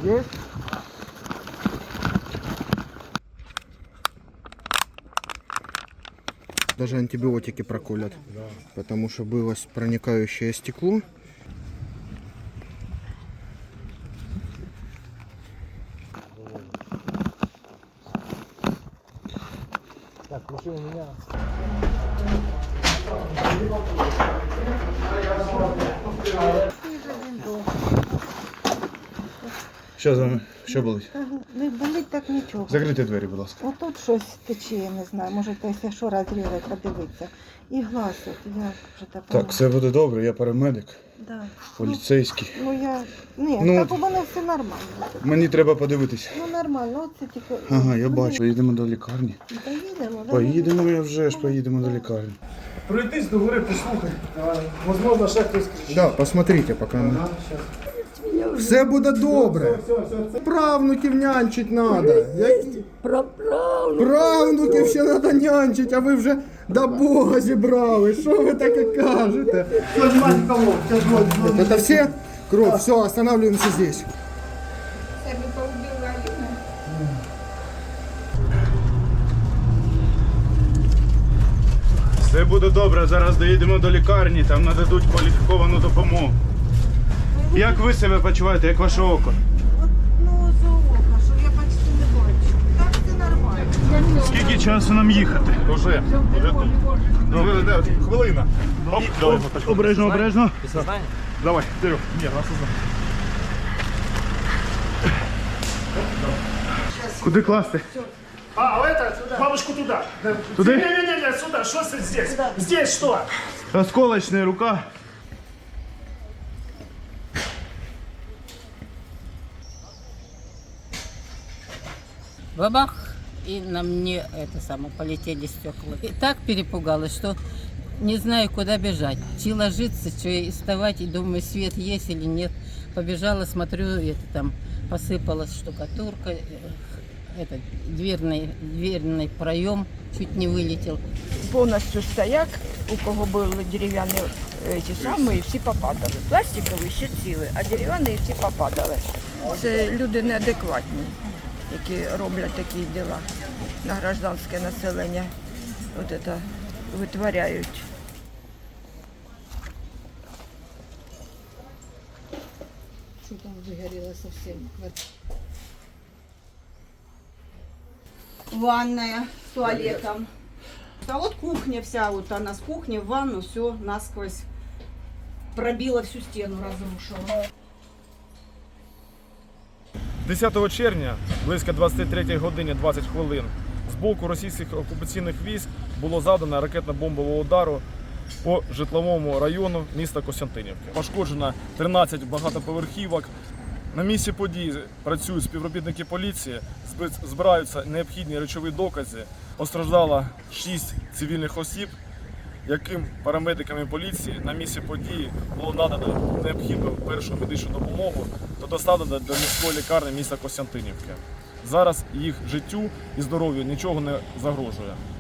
Есть? Даже антибиотики проколят, потому что было проникающее стекло. Так, машина у меня. Що болить? Не болить так нічого. Закрийте двері, будь ласка. Отут щось тече, я не знаю. Може, якщо що розрізати, подивитися. І глаз, от я вже так. Так, все буде добре, я парамедик, Да. поліцейський. Ні, так у мене все нормально. Мені треба подивитися. Ну нормально, от це тільки. Ага, я бачу. Поїдемо до лікарні. Поїдемо, да? Поїдемо, я вже ж поїдемо до лікарні. Пройтись до гори, послухай. Возможно, ще хтось кричить. Да, посмотрите пока. Ага, щас. Все буде добре. Правнуків нянчить надо. Правнуків ще треба нянчить, а ви вже до Бога зібрали. Що ви таке кажете? Это все? Кровь, все, останавливаемся здесь. Все буде добре, зараз доїдемо до лікарні, там нададуть кваліфіковану допомогу. Як ви себе почуваєте, як ваше око? Ну, за око, що я почти не бачу. Так це нормально. Скільки часу нам їхати? Уже тут. Хвилина. Обережно, обережно. Давай, вперед. Ні, нас Куди класти? А, это, бабушку туда. Туда? Не-не-не, сюда, что здесь? Здесь что? Осколочная рука. Бабах, и на мне это самое полетели стекла. И так перепугалась, что не знаю, куда бежать. Чи ложиться, чи вставать, и думаю, свет есть или нет. Побежала, смотрю, это там посыпалась штукатурка, этот дверный проем чуть не вылетел. Повністю стояк, у кого були дерев'яні ті самі, і всі попадали. Пластикові ще ціли, а дерев'яні всі попадали. Це люди неадекватні, які роблять такі діла на гражданське населення. От це витворяють. Что там выгорело совсем? Ванная с туалетом. А вот кухня вся, вот она с кухни в ванну, все насквозь пробила, всю стену разрушила. 10 червня, близько 23 годині 20 хвилин, з боку російських окупаційних військ було завдано ракетно-бомбового удару по житловому району міста Костянтинівки. Пошкоджено 13 багатоповерхівок. На місці події працюють співробітники поліції, збираються необхідні речові докази. Постраждало 6 цивільних осіб, яким парамедиками поліції на місці події було надано необхідну першу медичну допомогу та доставлено до міської лікарні міста Костянтинівки. Зараз їх життю і здоров'ю нічого не загрожує.